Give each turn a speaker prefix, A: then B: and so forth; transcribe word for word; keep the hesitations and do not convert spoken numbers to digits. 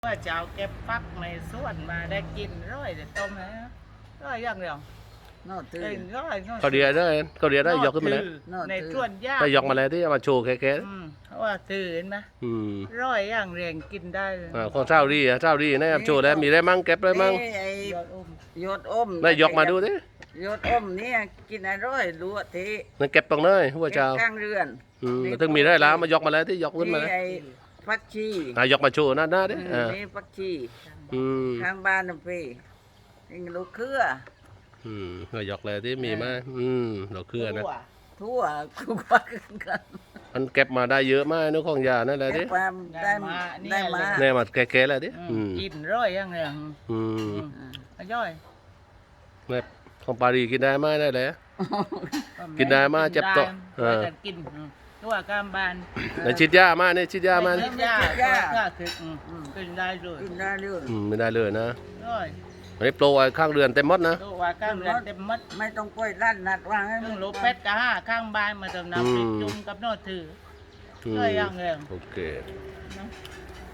A: ว่าจะเอาเก็บฟักในสวนมาได้กินร้อยแต่ต้มนะร้อยอย่างเดียวน
B: อกตื่
A: เอ้ย
B: น
A: ร้อยร้อย
C: เขาเดียได้เขาเดียได้ยกขึ้นมาแล้ว
B: นอก
A: ใน
B: ตื่น
A: สวนยาก
C: ได้ยกมาแล้วที่เอามาโชว์แค่
A: อืมเพราะว่าตื่นนะ
C: ๆอืม
A: ร้อยอย่างเรียงกินได้เลย
C: อ่าของเจ้าดีอ่ะเจ้าดีนะโชว์แล้วมีได้มั่งเก็บได้มั่ง
B: นี่ไอ้
A: ยอดอุ้ม
B: ยอดอม
C: ได้ยกมาดูดิ
B: ยอดอมเนี่ยกินอร่อยรู้ที
C: นั่นเก็บตรงเลยหัวเจ้า
B: ข้างเรือน
C: อืมถึงมีได้แล้วมายกมาแล้วที่ยกขึ้นมา
B: นี่
C: แล้ว
B: ไอ้ฟักชี
C: อ่ายกมาโชว์หน้าหน้าดิ
B: อืม
C: อ่า
B: นี่ฟักชี
C: อืม
B: ข้างบ้านน่ะพี่นี่ลูกเครือ
C: อืมก็ยกเลยที่มีมาอืมเราเครือนะ
A: ทั่ว
B: ทั่วคุกว่ากัน
C: มันเก็บมาได้เยอะมากนึกของยานั่นแหละ
B: เก็
C: ดิ
B: บความได้ได้มา
C: แน่มาแก่ๆแล้วดิ
A: อื
C: อื
A: ม
C: ม
A: กินร้อยอย่างเรียง
C: อืม
A: อืมย่อย
C: แม่ของปารีกินได้ไหมได้เลย กินได้มาเจ็บโต๊ะเอ
A: เอ
C: อ
A: อกินอืมตัวกามบาน
C: ในชิดยามาเนี่ยชิดยามา
A: ไม่
C: เนี่ย
A: กินยาก็คืออืมกินได้เลย
B: กินได้เรื่อง
C: อืมไม่ได้เลยนะ
A: ร้อย
C: อันนี้โปรไอ้ข้างเรือนเต็มหมดนะ
A: ตัวกามเรียนเต็มมัด
B: ไม่ต้องกล้วยลั่นนัดวางให้
A: ซึ่
B: มั
A: ง
B: น
A: ลูกเป็ดกับห้าข้างบ้านมาเติมน้ำพริกจุ่มกับโนอถือ
C: อืม
A: เลยอย่างเดียว
C: โอเค
A: นะ